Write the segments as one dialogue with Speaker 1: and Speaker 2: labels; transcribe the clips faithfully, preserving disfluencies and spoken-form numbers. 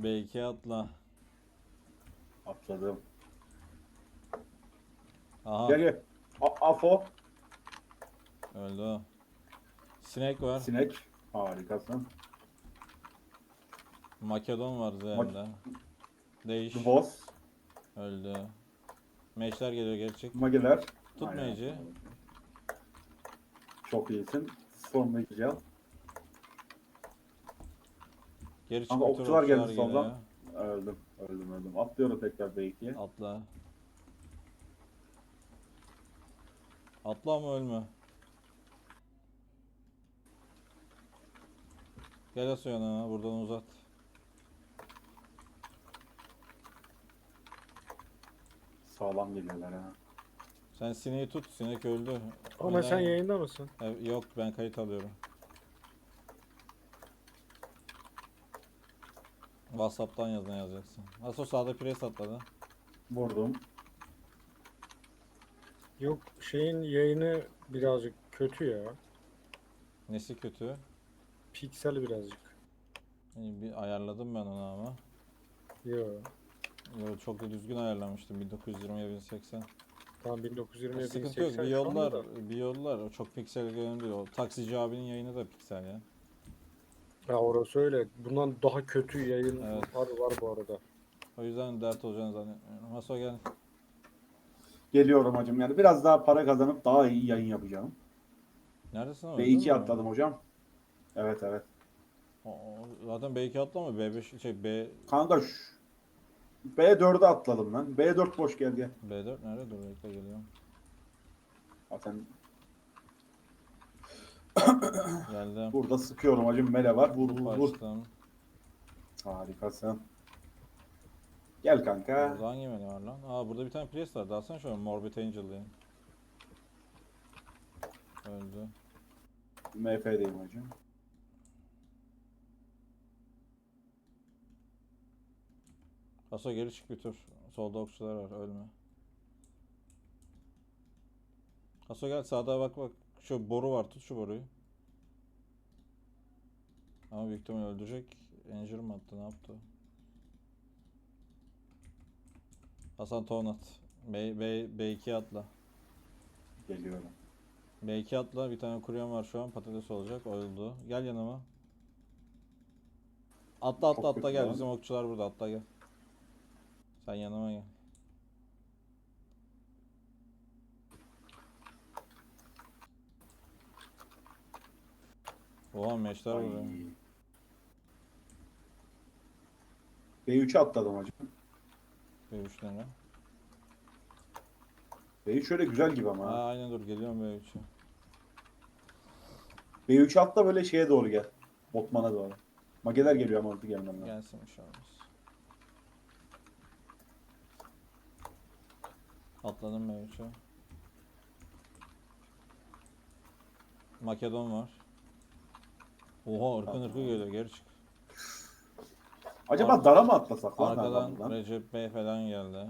Speaker 1: B iki atla.
Speaker 2: Atladım.
Speaker 1: Aha
Speaker 2: Gel gel. A- Afo.
Speaker 1: öldü o. Sinek var.
Speaker 2: Sinek. Harikasın.
Speaker 1: Makedon var
Speaker 2: Mak
Speaker 1: üzerinde.
Speaker 2: The
Speaker 1: Değiş.
Speaker 2: Boss.
Speaker 1: Öldü. Meşler geliyor gerçek.
Speaker 2: Mageler.
Speaker 1: Tut
Speaker 2: Aynen.
Speaker 1: mage'i.
Speaker 2: Çok iyisin. Son Mage'i al.
Speaker 1: Geri çık
Speaker 2: Kanka
Speaker 1: bir tur,
Speaker 2: okçular
Speaker 1: okçular
Speaker 2: geldi
Speaker 1: geliyor.
Speaker 2: soldan. Öldüm. Öldüm öldüm. Atlıyorum tekrar B ikiye.
Speaker 1: Atla. Atla ama ölme. Gel Asya'na buradan uzat.
Speaker 2: Sağlam geliyorlar ha.
Speaker 1: Sen sineği tut. Sinek öldü.
Speaker 3: Ama sen
Speaker 1: Neden?
Speaker 3: yayında mısın?
Speaker 1: E, yok ben kayıt alıyorum. WhatsApp'tan yazına yazacaksın. Nasıl o sağda pres atladı.
Speaker 2: Vurdum.
Speaker 3: Yok, şeyin yayını birazcık kötü ya.
Speaker 1: Nesi kötü?
Speaker 3: Piksel birazcık.
Speaker 1: İyi, bir ayarladım ben onu ama.
Speaker 3: Yo.
Speaker 1: Yo, çok da düzgün ayarlamıştım bin dokuz yüz yirmiye bin seksen.
Speaker 3: Tam bin dokuz yüz yirmi
Speaker 1: Sıkıntı yok. Bir
Speaker 3: bin seksen şu anda
Speaker 1: yollar,
Speaker 3: da.
Speaker 1: bir yollar. O çok piksel önemli değil. O taksici abinin yayını da piksel ya.
Speaker 3: Ya orası öyle. Bundan daha kötü yayın
Speaker 1: Evet.
Speaker 3: var, var bu arada.
Speaker 1: O yüzden dert olacağını zannetmiyorum. Maso gel.
Speaker 2: Geliyorum hacım yani. Biraz daha para kazanıp daha iyi yayın yapacağım.
Speaker 1: Neredesin ama
Speaker 2: B
Speaker 1: öldün
Speaker 2: ikiye
Speaker 1: mü?
Speaker 2: atladım hocam. Evet evet.
Speaker 1: O, o- zaten B iki atlama. B beş şey B
Speaker 2: Kanka şu B dörde atladım lan. B dört boş gel gel.
Speaker 1: B dört nerede? Dur bekle geliyorum.
Speaker 2: Zaten
Speaker 1: Geldim.
Speaker 2: burada sıkıyorum hacım. Mele var. Vur
Speaker 1: Buff
Speaker 2: vur vur.
Speaker 1: açtım.
Speaker 2: Harikasın. Gel kanka.
Speaker 1: Burada hangi menü var lan? Aa burada bir tane pres var. Dalsana şöyle Morbid Angel diye. Öldü.
Speaker 2: M F'deyim hocam.
Speaker 1: Aso geri çık bir tur. Solda okçular var. Ölme. Aso gel sağda bak bak. Şu boru var. Tut şu boruyu. Ama büyük ihtimal öldürecek. Injure mı attı? Ne yaptı? Hasan ton at. B, B, B2 atla.
Speaker 2: Geliyorum.
Speaker 1: B iki atla. Bir tane kuryen var şu an. Patates olacak. Öldü. Gel yanıma. Atla atla
Speaker 2: Çok
Speaker 1: atla
Speaker 2: kötü
Speaker 1: gel.
Speaker 2: lan.
Speaker 1: Bizim okçular burada. Atla gel. Sen yanıma gel. Oha meşler
Speaker 2: Ay.
Speaker 1: vuruyor.
Speaker 2: B üçe atladım hacım.
Speaker 1: B üç lira.
Speaker 2: B üç şöyle güzel gibi ama.
Speaker 1: Aa
Speaker 2: ha.
Speaker 1: aynen dur geliyorum B üçe.
Speaker 2: B üçe atla böyle şeye doğru gel. Botman'a doğru. Mageler geliyor ama orada gelmem lazım.
Speaker 1: Gelsin bir şey olmaz. Atladım B üçe. Makedon var. Oha ırkın
Speaker 2: Tamam.
Speaker 1: ırkı geliyor geri çık.
Speaker 2: Acaba
Speaker 1: Ar-
Speaker 2: dara mı atlasak lan
Speaker 1: Arkadan
Speaker 2: adamdan?
Speaker 1: Recep Bey falan geldi.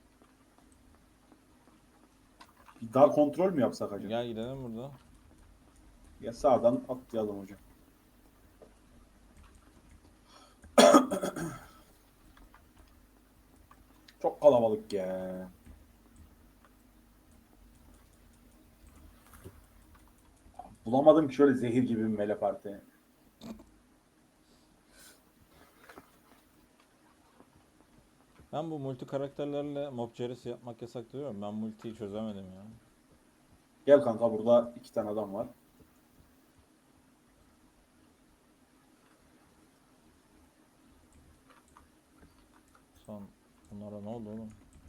Speaker 2: Bir dar kontrol mü yapsak acaba?
Speaker 1: Gel gidelim burada.
Speaker 2: Ya sağdan atlayalım hocam. Çok kalabalık ya. Bulamadım ki şöyle zehir gibi bir mele parti.
Speaker 1: Ben bu multi karakterlerle mob cerisi yapmak yasak diyorum. Ben multiyi çözemedim ya.
Speaker 2: Gel kanka burada iki tane adam var.
Speaker 1: Son bunlara ne oldu oğlum?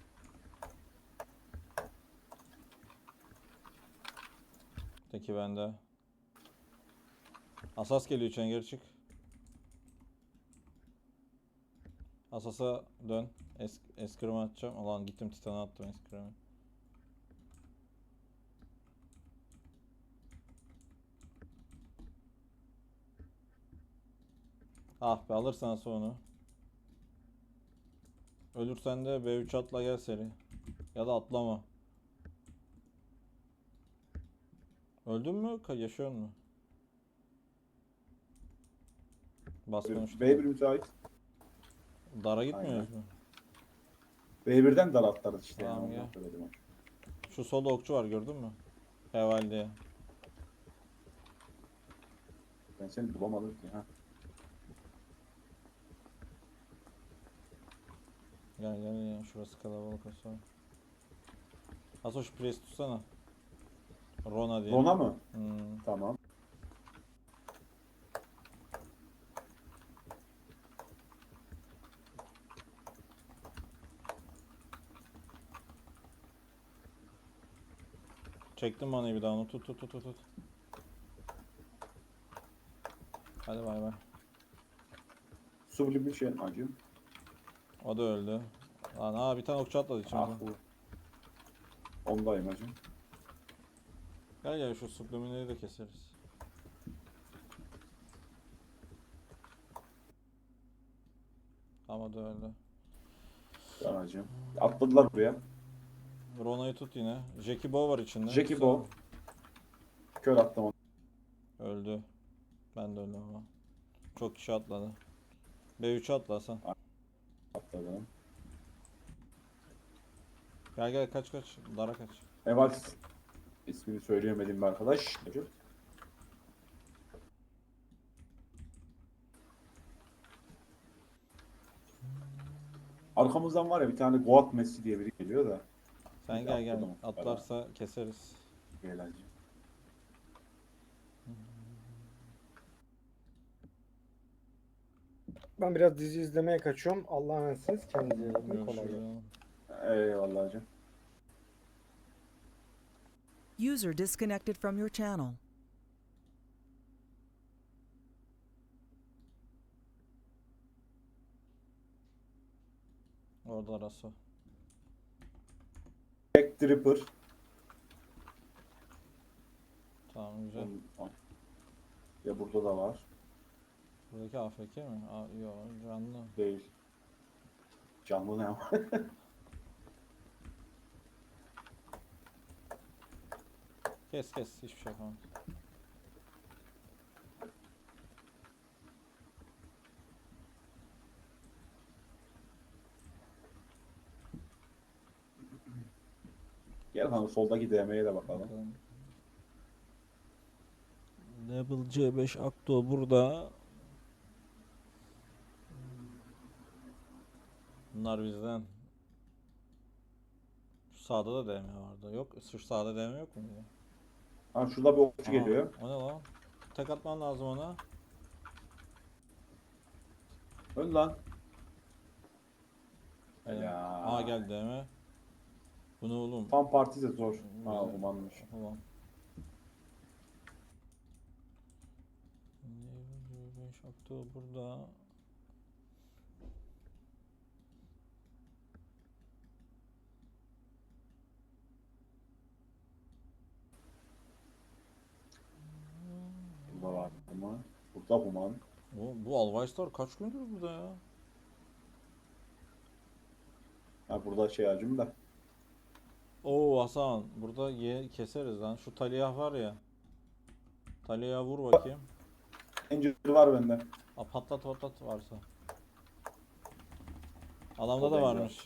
Speaker 1: Teki bende. Asas geliyor içine geri çık. Asas'a dön. Es eskrim atacağım. Ulan gittim Titan'a attım eskrimi. Ah be alırsan onu. Ölürsen de B üç atla gel seri. Ya da atlama. Öldün mü? Ka- Yaşıyor mu? Bas konuştum.
Speaker 2: B bir müsait.
Speaker 1: Dara gitmiyoruz
Speaker 2: Aynen.
Speaker 1: mu?
Speaker 2: B birden dar atlarız işte.
Speaker 1: Tamam,
Speaker 2: yani,
Speaker 1: gel.
Speaker 2: ondan söyledim.
Speaker 1: Şu solda okçu var, gördün mü? Heval diye.
Speaker 2: Ben seni bulamadım ki. Ha.
Speaker 1: Gel gel ya, şurası kalabalık olsa. Aso şu presi tutsana. Rona diye.
Speaker 2: Rona mı?
Speaker 1: Hmm.
Speaker 2: Tamam.
Speaker 1: Çektim bana bir daha onu, tut tut tut tut. tut. Hadi bay bay.
Speaker 2: Sublimation acım.
Speaker 1: O da öldü. Lan aa, bir tane okçu atladı
Speaker 2: Ah
Speaker 1: içimizden.
Speaker 2: bu. Ondayım acım.
Speaker 1: Gel gel, şu sublimineri de keseriz. Ama da öldü.
Speaker 2: Ben acım. Atladılar buraya.
Speaker 1: Rona'yı tut yine. Jackie Bow var içinde.
Speaker 2: Jackie
Speaker 1: Tutsana.
Speaker 2: Bow. Kör attım onu.
Speaker 1: Öldü. Ben de öldüm ama. Çok kişi atladı. B üç'e atla Hasan.
Speaker 2: Atladım.
Speaker 1: Gel gel, kaç kaç. Dara kaç.
Speaker 2: Eval ismini söyleyemedim bir arkadaş. Arkamızdan var ya bir tane Goat Messi diye biri geliyor da.
Speaker 1: Sen
Speaker 2: Bir
Speaker 1: gel gel.
Speaker 2: atladım.
Speaker 1: Atlarsa keseriz.
Speaker 2: Gel hacı.
Speaker 3: Ben biraz dizi izlemeye kaçıyorum. Allah'a emanetsiniz. Kendinize iyi bakın. Kolay gelsin.
Speaker 1: Görüşürüz.
Speaker 2: Eyvallah hacı.
Speaker 4: User disconnected from your channel.
Speaker 1: Orada arası.
Speaker 2: Jack Tripper.
Speaker 1: Tamam, güzel.
Speaker 2: Ya burada da var.
Speaker 1: Buradaki A F K mi? Aa, yok, canlı.
Speaker 2: Değil. Canlı ne ama?
Speaker 1: Kes kes, hiçbir şey yapamam.
Speaker 2: Gel hanım soldaki D M'ye de bakalım.
Speaker 1: Bakalım. Level C beş Akto burada. Bunlar bizden. Şu sağda da D M vardı. Yok, şu sağda D M yok mu?
Speaker 2: Ha şurada bir okçu
Speaker 1: Aha,
Speaker 2: geliyor.
Speaker 1: o ne lan? Tek atman lazım ona.
Speaker 2: Ön lan.
Speaker 1: Aynen.
Speaker 2: Ya.
Speaker 1: Aa, geldi D M. Bu ne oğlum?
Speaker 2: Fan parti de zor. Ha
Speaker 1: Güzel.
Speaker 2: umanmış.
Speaker 1: Ulan. Level C beş Akto burada.
Speaker 2: Burada var ama. Burada Human.
Speaker 1: Bu, bu Alvaystar kaç gündür burada ya?
Speaker 2: Ha burada şey acım da.
Speaker 1: Oo Hasan, burada ye keseriz lan. Şu Talia var ya. Talia'ya vur bakayım.
Speaker 2: Angel var bende.
Speaker 1: Aa, patlat patlat varsa. Adamda
Speaker 2: O
Speaker 1: da
Speaker 2: da
Speaker 1: varmış.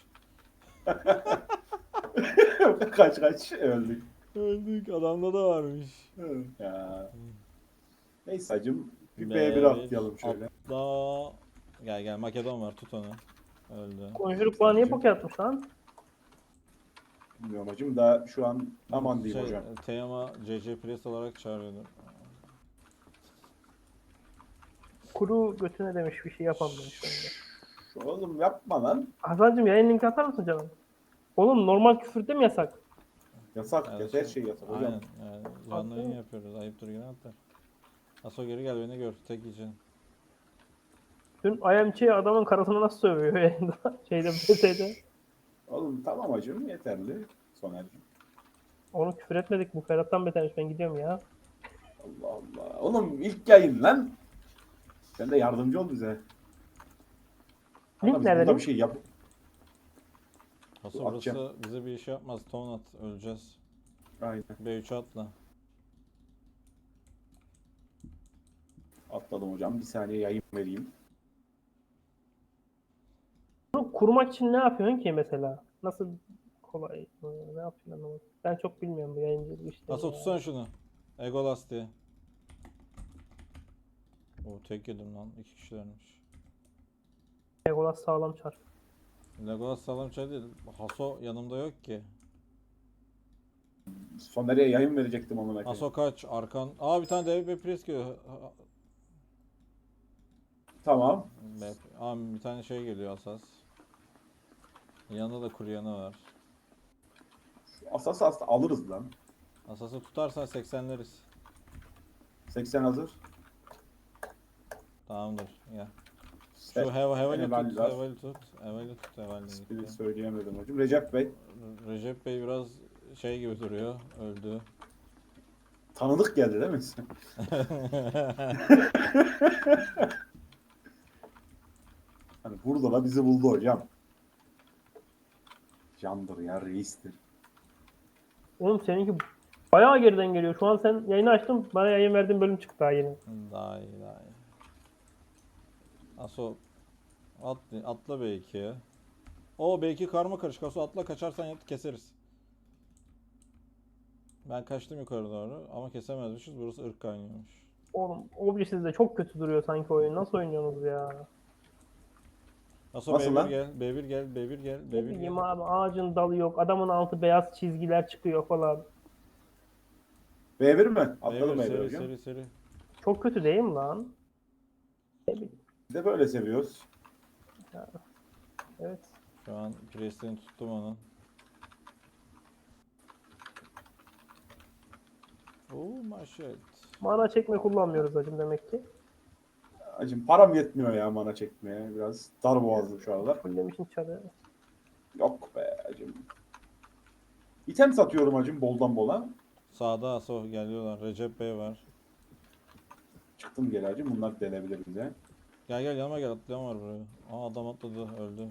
Speaker 2: kaç kaç öldük.
Speaker 1: Öldük, adamda da varmış.
Speaker 2: Ya. Neyse acım. Bir
Speaker 1: B
Speaker 2: B bir atlayalım şöyle.
Speaker 1: Atla. Gel gel, Makedon var, tut onu. Öldü.
Speaker 5: Conjure bana niye poke atmış lan?
Speaker 2: Bilmiyorum acım da şu an aman diyeyim
Speaker 1: Şey,
Speaker 2: hocam.
Speaker 1: Teyama C C Priest olarak çağırıyordu.
Speaker 5: Kuru götüne demiş bir şey yapamam demiş. bende.
Speaker 2: Oğlum yapma lan.
Speaker 5: Hasan'cım yayın linki atar mısın canım? Oğlum normal küfürde mi yasak?
Speaker 2: Yasak.
Speaker 1: Yani
Speaker 2: her
Speaker 1: şey-
Speaker 2: şey yasak hocam.
Speaker 1: Aynen, yani canlı yayın
Speaker 5: Haklı.
Speaker 1: yapıyoruz. Ayıptır günahtır. Aso geri gel, beni gör. Tek yiyeceksin.
Speaker 5: Dün I M Ç adamın karısını nasıl sövüyor yayında? Şeyde B T'de.
Speaker 2: Oğlum tamam acım yeterli. Soner'cim.
Speaker 5: Onu küfür etmedik bu Ferhat'tan betermiş ben gidiyorum ya.
Speaker 2: Allah Allah. Oğlum ilk yayın lan. Sen de yardımcı ol bize. Kanka
Speaker 5: Link
Speaker 2: biz
Speaker 5: nerede
Speaker 2: burada
Speaker 5: link?
Speaker 2: bir şey yap.
Speaker 1: Aso
Speaker 2: Dur,
Speaker 1: burası
Speaker 2: atacağım.
Speaker 1: bize bir iş yapmaz. Ton at, öleceğiz.
Speaker 2: Aynen.
Speaker 1: B üç'e atla.
Speaker 2: Atladım hocam. Bir saniye yayın vereyim.
Speaker 5: kurmak için ne yapıyorsun ki mesela? Nasıl kolay? e, Ne yapıyorsun anlamadım. Ben çok bilmiyorum bu yayıncılık işlerini.
Speaker 1: Nasıl
Speaker 5: ya.
Speaker 1: tutsana şunu. Egolas diye. O tek yedim lan. İki kişilermiş.
Speaker 5: Legolas sağlam çar.
Speaker 1: Legolas sağlam şey değil. Haso yanımda yok ki.
Speaker 2: Soner'e yayın verecektim amına koyayım.
Speaker 1: Haso kaç? Arkan. Aa bir tane dev bir pres geliyor. Ha-
Speaker 2: Tamam.
Speaker 1: Be- Aa bir tane şey geliyor Asas. Yanında da kuryanı var.
Speaker 2: Asas asla alırız lan.
Speaker 1: Asas'ı tutarsan seksenleriz.
Speaker 2: seksen hazır.
Speaker 1: Tamamdır. Ya.
Speaker 2: Se-
Speaker 1: Şu heva hevali
Speaker 2: Heval
Speaker 1: tut,
Speaker 2: var.
Speaker 1: hevali tut, hevali tut, hevali
Speaker 2: İsmini
Speaker 1: gitti.
Speaker 2: söyleyemedim hocam. Recep Bey.
Speaker 1: Re- Recep Bey biraz şey gibi duruyor, öldü.
Speaker 2: Tanıdık geldi değil mi? Hani burada da bizi buldu hocam. Candır ya, reistir.
Speaker 5: Oğlum seninki bayağı geriden geliyor. Şu an sen yayını açtın. Bana yayın verdiğin bölüm çıktı daha yeni.
Speaker 1: Daha iyi, daha iyi. Aso at, atla B ikiye. O B iki karma karışık. Aso atla, kaçarsan yat keseriz. Ben kaçtım yukarı doğru ama kesemezmişiz. Burası ırk kaynıyormuş.
Speaker 5: Oğlum Oblivious de çok kötü duruyor sanki oyun. Nasıl oynuyorsunuz ya?
Speaker 1: Aso
Speaker 2: Nasıl
Speaker 1: B bir
Speaker 2: lan?
Speaker 1: gel, B bir gel, B bir gel,
Speaker 5: Ne
Speaker 1: B bir
Speaker 5: bileyim
Speaker 1: gel.
Speaker 5: abi ağacın dalı yok. Adamın altı beyaz çizgiler çıkıyor falan.
Speaker 2: B bir mi?
Speaker 1: B
Speaker 2: Atladım
Speaker 1: bir
Speaker 2: B bir
Speaker 1: seri
Speaker 2: hocam.
Speaker 1: seri seri.
Speaker 5: Çok kötü değil mi lan? Ne bileyim.
Speaker 2: Biz de böyle seviyoruz.
Speaker 5: Evet.
Speaker 1: Şu an presini tuttum onun. Oh my shit.
Speaker 5: Mana çekme kullanmıyoruz hacım demek ki.
Speaker 2: Hacım param yetmiyor ya mana çekmeye. Biraz dar boğazlı şu aralar.
Speaker 5: Fullemişin çarı.
Speaker 2: Yok be hacım. İtem satıyorum hacım boldan bola.
Speaker 1: Sağda Aso geliyorlar. Recep Bey var.
Speaker 2: Çıktım geri hacım. Bunlar delebilir bize.
Speaker 1: Gel gel yanıma gel, atlayan var buraya. Aa adam atladı, öldü.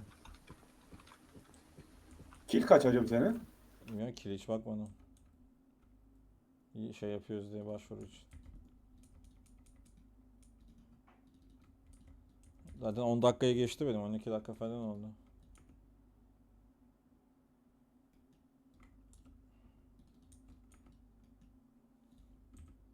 Speaker 2: Kill kaç hacım senin?
Speaker 1: Bilmiyorum ki hiç bakmadım. İyi şey yapıyoruz diye başvuru için. Zaten on dakikayı geçti benim, on iki dakika falan oldu.